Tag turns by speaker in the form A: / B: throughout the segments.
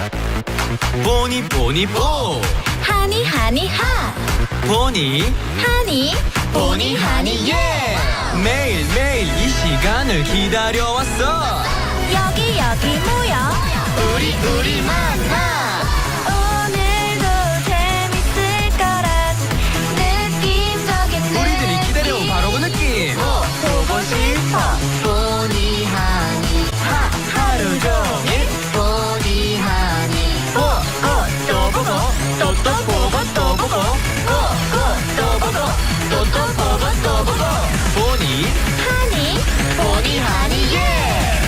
A: 보니 보니 보
B: 하니 하니 하
A: 보니
B: 하니 보니 하니 예
A: 매일매일 이 시간을 기다려왔어.
B: 여기 모여 우리 만나 오늘도 재밌을 거란 느낌적인
A: 우리들이 기다려온 바로 그 느낌.
B: 보고 싶어 보니 하니
A: 하루 종일
B: 보니 하니
A: 또 보고 또 보고 또 보고
B: 또 보고 또 보고
A: 보니
B: 보니 하니 예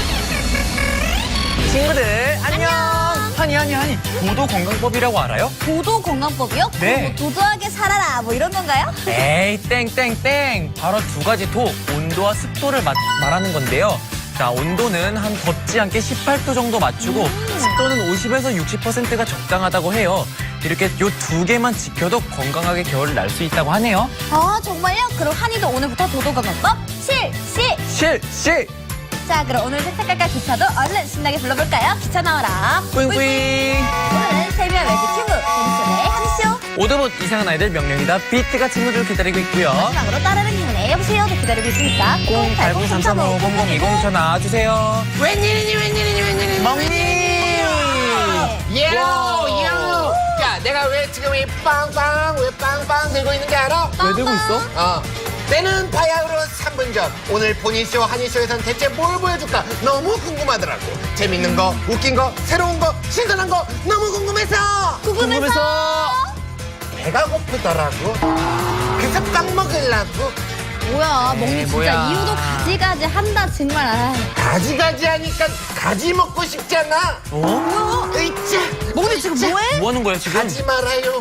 A: 친구들 안녕. 하니 도도 건강법이라고 알아요?
B: 도도 건강법이요?
A: 네.
B: 뭐 도도하게 살아라 뭐 이런 건가요?
A: 에이 땡땡땡 바로 두 가지 도 온도와 습도를 말하는 건데요. 자, 온도는 한 덥지 않게 18도 정도 맞추고 습도는 50에서 60%가 적당하다고 해요. 이렇게 요 두 개만 지켜도 건강하게 겨울을 날 수 있다고 하네요.
B: 아 정말요? 그럼 한이도 오늘부터 도도 건강법 실시!
A: 실!
B: 자 그럼 오늘 색깔깔 기차도 얼른 신나게 불러볼까요? 기차 나와라
A: 뿌잉뿌잉.
B: 오늘은 세미와 매직 큐브 재밌어네 한이쇼
A: 오드봇 이상한 아이들 명령이다 비트가 친구들 기다리고 있고요.
B: 마지막으로 따르는 힘내 여보세요도 기다리고 있으니까
A: 080-335-0020 전화 주세요.
C: 웬일이니
A: 멍님!
C: 예요 야 내가 왜 지금 이 빵빵 들고 있는 게 알아?
A: 왜 들고 있어?
C: 때는 바야흐로 3분 전 오늘 보니쇼 한이쇼에선 대체 뭘 보여줄까 너무 궁금하더라고. 재밌는 거 웃긴 거 새로운 거 신선한 거 너무 궁금해서 배가 고프더라고. 그래서 빵 먹으려고
B: 뭐야 멍이 진짜
A: 뭐야.
B: 이유도 가지가지 한다 정말
C: 가지가지 하니까 가지 먹고 싶잖아. 으이짜
B: 멍이 지금 뭐해?
A: 뭐 하는 거야 지금?
C: 가지 말아요.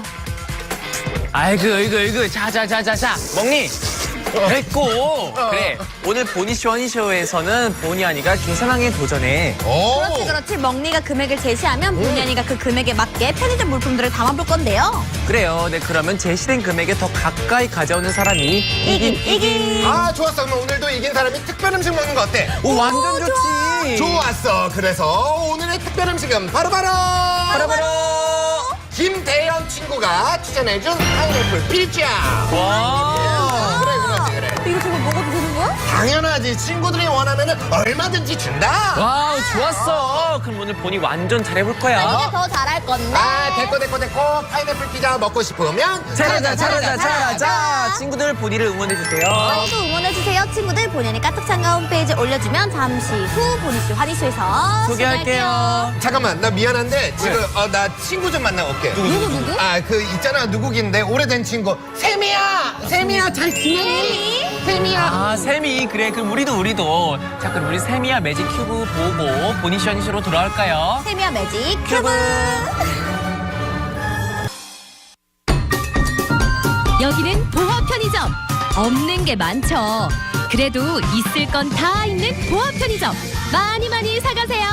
A: 아이고 자자자자자 멍니 됐고 그래 오늘 보니쇼 허니쇼에서는 보니아니가 계산왕에 도전해.
B: 그렇지 멍니가 금액을 제시하면 본연이가 그 금액에 맞게 편의점 물품들을 담아볼 건데요
A: 그래요. 네 그러면 제시된 금액에 더 가까이 가져오는 사람이
B: 이긴
C: 아 좋았어. 그럼 오늘도 이긴 사람이 특별 음식 먹는 거 어때?
A: 오 완전 좋지.
C: 좋았어. 그래서 오늘의 특별 음식은 바로바로 김대현 친구가 추천해준 파인애플 피자.
A: 와.
C: 그래.
B: 이거 정말 먹어도 되는 거야?
C: 당연하지. 친구들이 원하면 얼마든지 준다.
A: 와우 좋았어. 그럼 오늘 보니 완전 잘해볼 거야.
B: 이게 더 잘할 건데
C: 됐고. 파인애플 피자 먹고 싶으면
A: 잘하자. 친구들 보니를 응원해주세요.
B: 많이도 응원해주세요 친구들 본연이 까딱창가 홈페이지에 올려주면 잠시 후 보니쇼 하니쇼에서
A: 소개할게요.
C: 잠깐만 나 미안한데 지금 나 친구 좀 만나고 올게.
B: 누구?
C: 그 있잖아 누구긴데 오래된 친구 세미야 잘 지내니? 세미야.
A: 아 세미 그래 그럼 우리도 자 그럼 우리 세미야 매직 큐브 보고 보니쇼 허니쇼로 돌아올까요?
B: 세미와 매직 큐브
D: 여기는 보화 편의점. 없는 게 많죠. 그래도 있을 건 다 있는 보화 편의점. 많이 사가세요.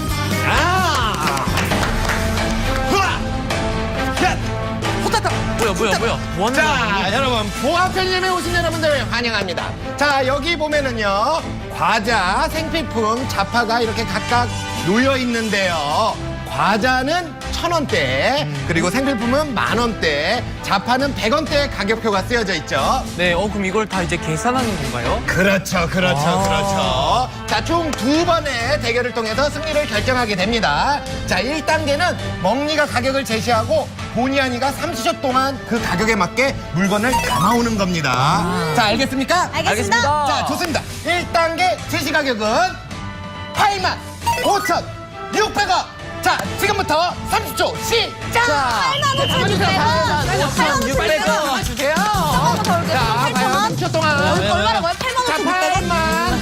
A: 뭐야 뭐 하는 거야?
C: 자, 여러분 보아 편의점에 오신 여러분들 환영합니다. 자, 여기 보면은요 과자, 생필품, 자파가 이렇게 각각 놓여 있는데요. 과자는 1,000원대, 그리고 생필품은 10,000원대, 자파는 100원대 가격표가 쓰여져 있죠.
A: 네 그럼 이걸 다 이제 계산하는 건가요?
C: 그렇죠. 자, 총 2번의 대결을 통해서 승리를 결정하게 됩니다. 자, 1단계는 멍니가 가격을 제시하고 보니아니가 30초 동안 그 가격에 맞게 물건을 담아오는 겁니다. 자, 알겠습니까?
B: 알겠습니다.
C: 자, 좋습니다. 1단계 제시 가격은 85,600원. 자, 지금부터 30초 시작!
B: 8만
A: 600원
C: 주세요.
B: 자,
C: 30초 동안.
B: 얼마나 뭐야? 8만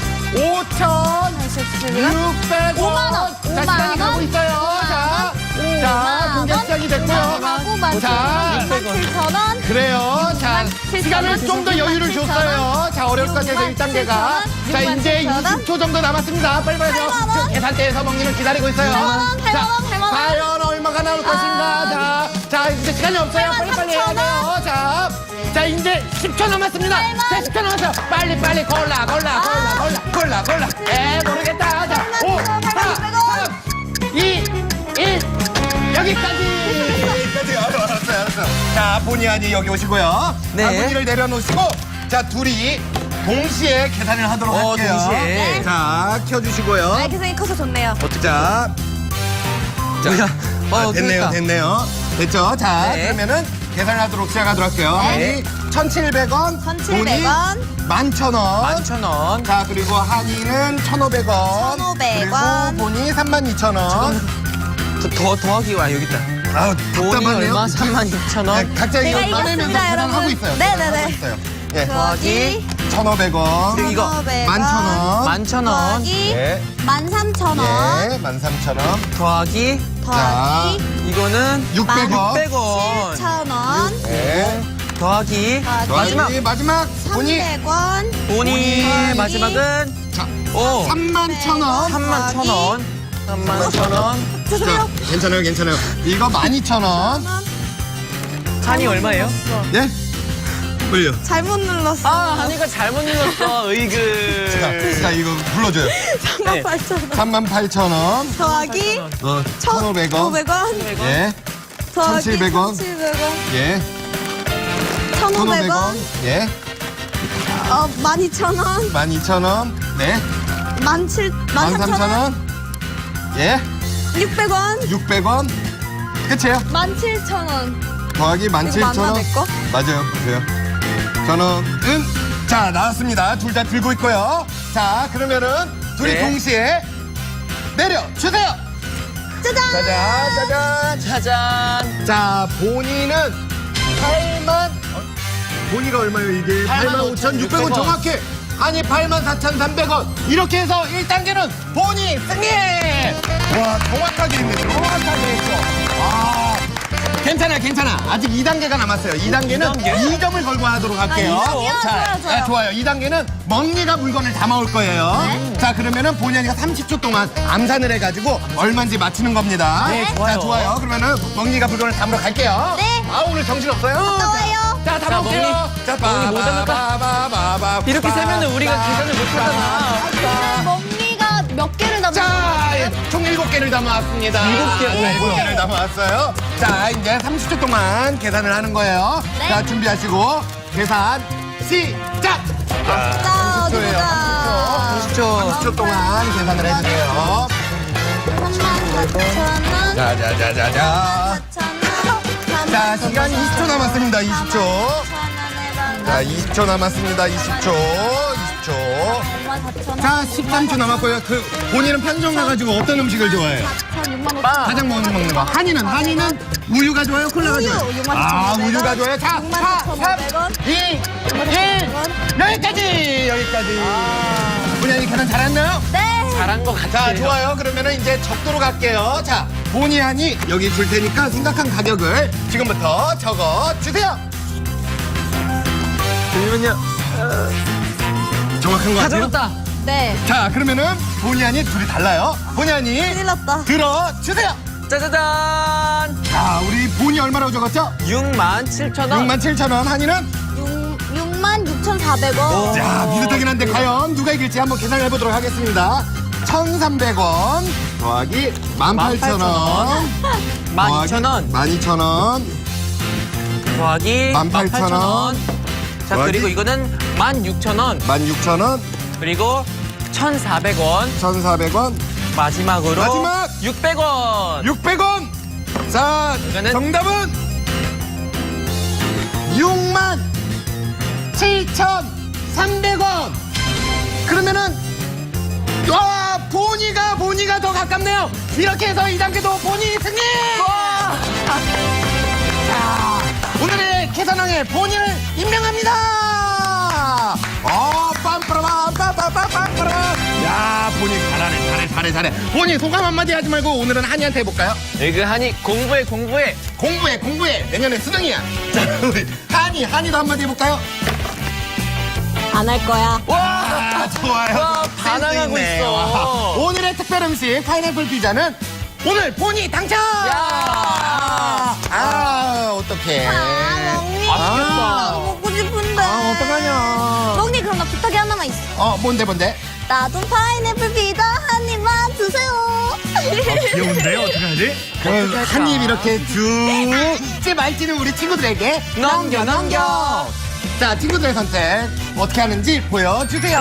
C: 5,600원.
B: 5만 원.
C: 자, 시간이 가고 있어요. 자, 공개 시작이 됐고요. 자,
B: 7,000원.
C: 그래요. 자,
B: 7,000원.
C: 시간을 좀 더 여유를
B: 7,000원.
C: 줬어요. 자, 어려울 것 같아서 1단계가. 자, 이제
B: 7,000원.
C: 20초 정도 남았습니다. 빨리 가죠.
B: 8만 원.
C: 계산대에서 먹기를 기다리고 있어요.
B: 8만 원, 8만
C: 자,
B: 원, 8만 원.
C: 과연 얼마가 나올 것인가. 자, 이제 시간이 없어요.
B: 8만
C: 빨리 해야
B: 3천
C: 돼요. 자, 이제 10초 남았습니다. 자, 10초 남았어요. 빨리 골라. 모르겠다. 자, 5, 4, 3, 2, 1. 여기까지. 알았어요. 자, 본의 아니 여기 오시고요.
A: 네.
C: 바구니를 내려놓으시고, 자, 둘이 동시에 계산을 하도록 할게요.
A: 동시에.
C: 자, 켜주시고요.
B: 아, 계산이 커서 좋네요.
C: 자, 됐네요.
A: 그러니까.
C: 됐죠? 자,
A: 네.
C: 그러면은 계산하도록 시작하도록 할게요.
B: 네.
C: 한이 1,700원,
B: 1,700원.
C: 11,000원.
A: 11,000원.
C: 자, 그리고 한이는 1,500원.
B: 1,500원.
C: 그리고 본이 32,000원.
A: 더하기 와 여기 있다.
C: 아우,
A: 돈이
C: 답답하네요.
A: 얼마? 32,000원.
C: 각자 이거
B: 제가
C: 꺼내면서
B: 이겼습니다,
C: 계산하고
B: 여러분.
C: 있어요.
B: 네네네.
C: 하고 있어요. 예.
A: 더하기
C: 1,500원.
A: 그리고 이거
C: 11,000원.
A: 11,000원.
B: 더하기
C: 예.
B: 13,000원.
C: 예, 13,000원.
A: 더하기
B: 더하기
A: 이거는
C: 600원.
A: 600원.
B: 7,000원.
C: 예.
A: 더하기
C: 마지막. 마지막. 본이
B: 300원.
A: 본이
B: 더하기
A: 마지막은
C: 자,
A: 오
C: 31,000원.
A: 31,000원. 31,000원.
B: 죄송해요.
C: 괜찮아요. 이거 12,000원.
A: 한이 얼마예요?
C: 예? 올려.
B: 잘못 눌렀어.
A: 아, 한이가 잘못 눌렀어. 으이그.
C: 자, 이거 불러줘요.
A: 네.
B: 38,000원.
C: 38,000원.
B: 더하기
C: 1,500원.
B: 500원.
C: 예.
B: 더하기
C: 1,700원.
B: 1,700원.
C: 예.
B: 1,500원.
C: 예.
B: 12,000원.
C: 12,000원. 네.
B: 13,000원.
C: 13,000원. 예.
B: 600원.
C: 600원. 끝이에요.
B: 17,000원.
C: 더하기
B: 이거 맞나,
C: 17,000원.
B: 내 거?
C: 맞아요. 보세요. 저는 자, 나왔습니다. 둘 다 들고 있고요. 자, 그러면은 둘이
A: 네.
C: 동시에 내려 주세요.
B: 짜잔.
C: 짜잔.
A: 짜잔.
C: 자, 본인은 8만 본이가 얼마예요, 이게? 85,600원 정확히. 아니, 84,300원. 이렇게 해서 1단계는 본이 승리! 와, 정확하게 했네. 정확하게 했어. 아, 괜찮아. 아직 2단계가 남았어요. 2단계는 2점을 걸고 하도록 할게요.
B: 아, 2점이요?
C: 자,
B: 좋아요.
C: 좋아요. 2단계는 멍니가 물건을 담아올 거예요.
B: 네.
C: 자, 그러면은 본연이가 30초 동안 암산을 해가지고 얼마인지 맞히는 겁니다.
A: 네, 좋아요.
C: 자, 좋아요. 그러면은 멍니가 물건을 담으러 갈게요.
B: 네.
C: 아, 오늘 정신없어요?
B: 갔다 와요.
C: 자, 담아올게요. 자,
A: 멍니 못
C: 바바바바바.
A: 이렇게 세면은 우리가 계산을 못 하잖아.
B: 멍니가 몇 개를 담은
C: 자, 총 7개를 담아왔습니다.
A: 7개.
C: 네, 7개를 담아왔어요. 자, 이제 30초 동안 계산을 하는 거예요.
B: 네.
C: 자, 준비하시고 계산 시작!
B: 자, 어디
C: 예요
B: 보자.
A: 10초.
C: 30초 동안 계산을 해주세요.
B: 34,000원.
C: 자자자자자.
B: 4,000원.
C: 자, 시간 20초 남았습니다. 20초. 자, 20초 남았습니다. 20초. 자, 13초 남았고요. 본인은 편의점 가가지고 어떤 음식을 좋아해요?
B: 6만 5천.
C: 가장 먹는 거. 한이는 우유가 좋아요? 콜라가
B: 우유,
C: 좋아요?
B: 6만
C: 아,
B: 4,500원.
C: 우유가 좋아요? 자,
B: 64,500원.
C: 2, 1, 여기까지. 본인이 계산 잘했나요?
B: 네.
A: 잘한 것
C: 자,
A: 같아요.
C: 좋아요. 그러면은 이제 적도로 갈게요. 자, 본의 아니 여기 줄 테니까 생각한 가격을 지금부터 적어 주세요.
A: 잠시만요.
C: 정확한 거
A: 다
C: 같아요?
A: 적었다.
B: 네.
C: 자, 그러면은 본의 아니 둘이 달라요. 본의 아니
B: 큰일 났다.
C: 들어 주세요.
A: 짜자잔.
C: 자, 우리 본이 얼마라고 적었죠?
A: 67,000원.
C: 67,000원. 한이는
B: 66,400원.
C: 자, 비슷하긴 한데 과연 누가 이길지 한번 계산을 해보도록 하겠습니다. 1,300원 더하기 18,000원
A: 12,000원.
C: 12,000원
A: 더하기
C: 18,000원.
A: 자,
C: 더하기
A: 그리고 이거는 16,000원.
C: 16,000원
A: 그리고 1,400원.
C: 1,400원
A: 마지막으로
C: 마지막!
A: 600원.
C: 600원. 자,
A: 이거는-
C: 정답은 67,300원. 그러면은 와, 보니가 더 가깝네요. 이렇게 해서 2단계도 보니 승리. 자, 오늘의 계산왕의 보니를 임명합니다. 빰빠라빰빰빰빰빰빰. 야, 보니 잘해. 보니 소감 한마디 하지 말고 오늘은 한이한테 해볼까요?
A: 에그하니 공부해.
C: 공부해. 내년에 수능이야. 자, 우리 한이도 한마디 해볼까요?
B: 안 할 거야.
C: 와, 좋아요.
A: 와, 반항하고
C: 센스 있네.
A: 있어.
C: 와. 오늘의 특별 음식 파인애플 피자는 오늘 본이 당첨!
A: 야.
C: 어떡해.
B: 멍니.
A: 맛있겠다.
B: 먹고 싶은데.
C: 어떡하냐.
B: 멍니, 그럼 나 부탁이 하나만 있어.
C: 뭔데?
B: 나 좀 파인애플 피자 한 입만 주세요.
E: 귀여운데요? 어떡하지?
C: 한 입 이렇게 쭉 말지는 우리 친구들에게
A: 넘겨.
C: 자, 친구들의 선택 어떻게 하는지 보여주세요.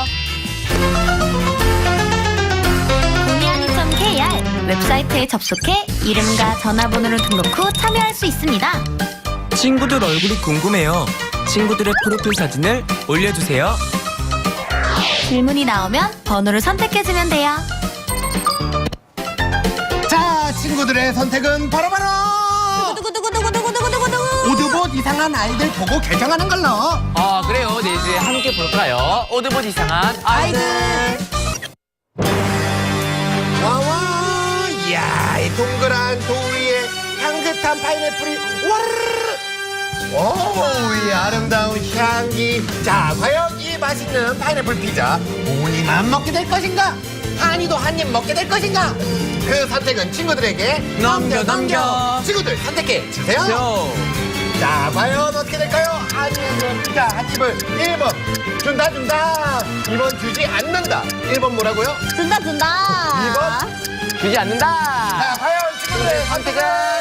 B: 보니아니.kr 웹사이트에 접속해 이름과 전화번호를 등록 후 참여할 수 있습니다.
F: 친구들 얼굴이 궁금해요. 친구들의 프로필 사진을 올려주세요.
B: 질문이 나오면 번호를 선택해주면 돼요.
C: 자, 친구들의 선택은 바로바로
B: 두구두구두구두구두구두구.
C: 오드봇 이상한 아이들 보고 결정하는 걸로.
A: 아, 그래요. 네, 이제 함께 볼까요? 오드봇 이상한 아이들.
C: 와와, 이야, 이 동그란 돌 위에 향긋한 파인애플이 와르르. 오, 이 아름다운 향기. 자, 과연 이 맛있는 파인애플 피자 본이만 먹게 될 것인가? 한이도 한 입 먹게 될 것인가? 그 선택은 친구들에게
A: 넘겨.
C: 친구들 선택해 주세요.
A: 요.
C: 자, 과연 어떻게 될까요? 한입은 피자 한 입을 1번 준다. 2번 주지 않는다. 1번 뭐라고요?
B: 준다.
C: 2번
A: 주지 않는다.
C: 자, 과연 친구들의 선택은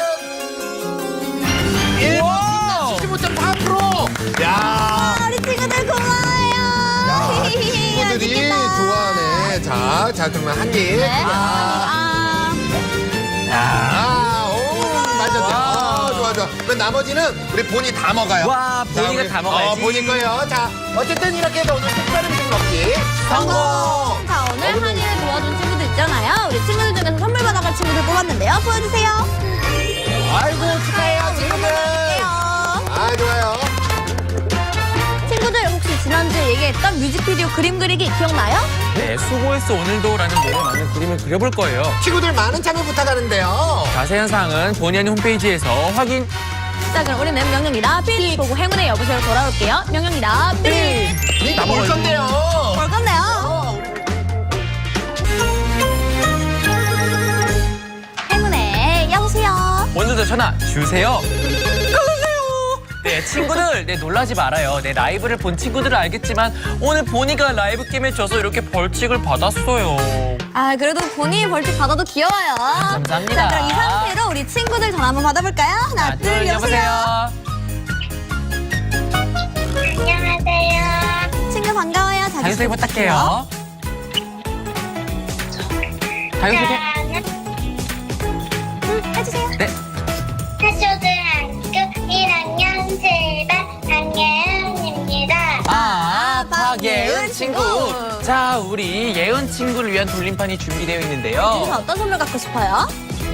C: 1번 75.4%. 야,
B: 우리 친구들 고마워요.
C: 친구들이 좋아하네. 자, 그러면 한 입.
B: 네.
C: 오, 맞았죠. 좋아. 그럼 나머지는 우리 본이 다 먹어요.
A: 와, 본이가
C: 우리-
A: 다 먹어야지.
C: 본이 거요. 자, 어쨌든 이렇게 해서 오늘 특별 음식 먹기 성공.
B: 자, 오늘 한이를 도와준 친구들 있잖아요. 우리 친구들 중에서 선물 받아갈 친구들 뽑았는데요. 보여주세요.
C: 아이고, 축하해요, 친구들. 아, 좋아요.
B: 친구들 혹시 지난주에 얘기했던 뮤직비디오 그림 그리기 기억나요?
A: 네, 수고했어 오늘도라는 노래 많은 그림을 그려볼 거예요.
C: 친구들 많은 참여 부탁하는데요.
A: 자세한 사항은 본의 아닌 홈페이지에서 확인.
B: 자, 그럼 우리는 명령이다 삐 보고 행운의 여보세요 돌아올게요. 명령이다 삐.
C: 이거 볼 건데요.
B: 볼 건데요. 행운의 여보세요.
A: 먼저 전화 주세요. 네, 친구들, 네, 놀라지 말아요. 네, 라이브를 본 친구들은 알겠지만 오늘 보니가 라이브 게임에 져서 이렇게 벌칙을 받았어요.
B: 아, 그래도 본인이 벌칙 받아도 귀여워요.
A: 감사합니다.
B: 자, 그럼 이 상태로 우리 친구들 전화 한번 받아볼까요? 하나, 둘, 여보세요.
G: 안녕하세요.
B: 친구 반가워요.
A: 자기소개 부탁해요. 자기소개.
B: 해주세요.
A: 네.
G: 태초등학교 1학년 7반 강예은입니다.
A: 박예은 친구. 자, 우리 예은 친구를 위한 돌림판이 준비되어
B: 여기서
A: 있는데요.
B: 어떤 선물 갖고 싶어요?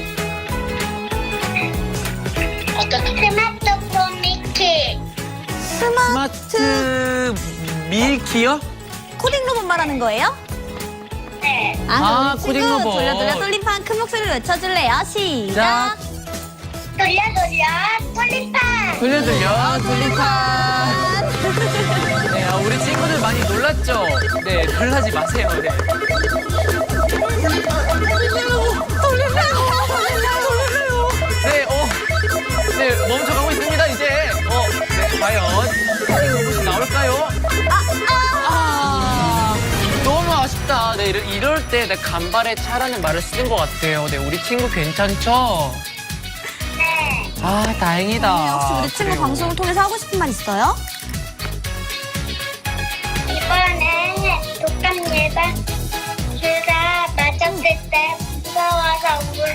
G: 스마트폰 미키.
A: 스마트 밀키요?
B: 코딩 로봇 말하는 거예요?
G: 네.
A: 아,
B: 우리
A: 코딩
B: 친구
A: 로봇.
B: 돌려 돌림판 큰 목소리로 외쳐줄래요? 시작.
G: 돌려 돌림판.
A: 돌려 돌림판. 네, 우리 친구들 많이 놀랐죠? 네, 놀라지 마세요. 네. 네, 네, 멈춰가고 있습니다, 이제. 네, 과연 로봇이 나올까요? 너무 아쉽다. 네, 이럴 때 내 간발의 차라는 말을 쓰는 것 같아요. 네, 우리 친구 괜찮죠?
G: 네.
A: 아, 다행이다.
B: 혹시 우리 친구
A: 그래요.
B: 방송을 통해서 하고 싶은 말 있어요?
G: 이번엔 독감 예방 주사 맞았을 때 무서워서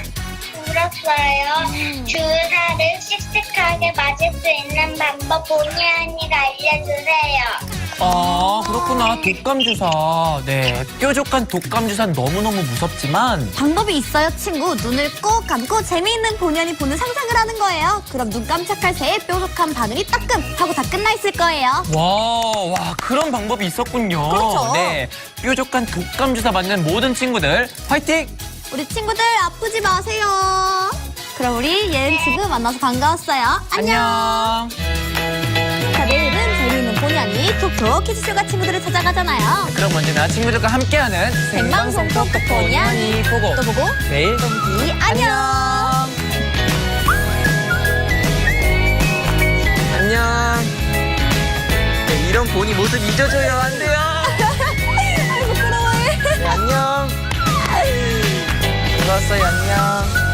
G: 울었어요. 주사를 씩씩하게 맞을 수 있는 방법 본의 아니가 알려주세요.
A: 아, 그렇구나. 독감 주사. 네, 뾰족한 독감 주사는 너무너무 무섭지만
B: 방법이 있어요, 친구. 눈을 꼭 감고 재미있는 본연이 보는 상상을 하는 거예요. 그럼 눈 깜짝할 새에 뾰족한 바늘이 따끔 하고 다 끝나 있을 거예요.
A: 와, 그런 방법이 있었군요.
B: 그렇죠.
A: 네, 뾰족한 독감 주사 맞는 모든 친구들 화이팅!
B: 우리 친구들 아프지 마세요. 그럼 우리 예은 친구 만나서 반가웠어요. 안녕. 자, 내일은 재미있는 본연이 톡톡 키즈쇼가 친구들을 찾아가잖아요.
A: 그럼 언제나 친구들과 함께하는
B: 생방송 톡톡 본연이
A: 보고
B: 또 보고
A: 내일
B: 이 안녕.
A: 안녕. 네, 이런 보니 모습 잊어줘요. 안 돼요.
B: 부끄러워해.
A: 네, 안녕. 수고하세요. 재밌었어요. 안녕.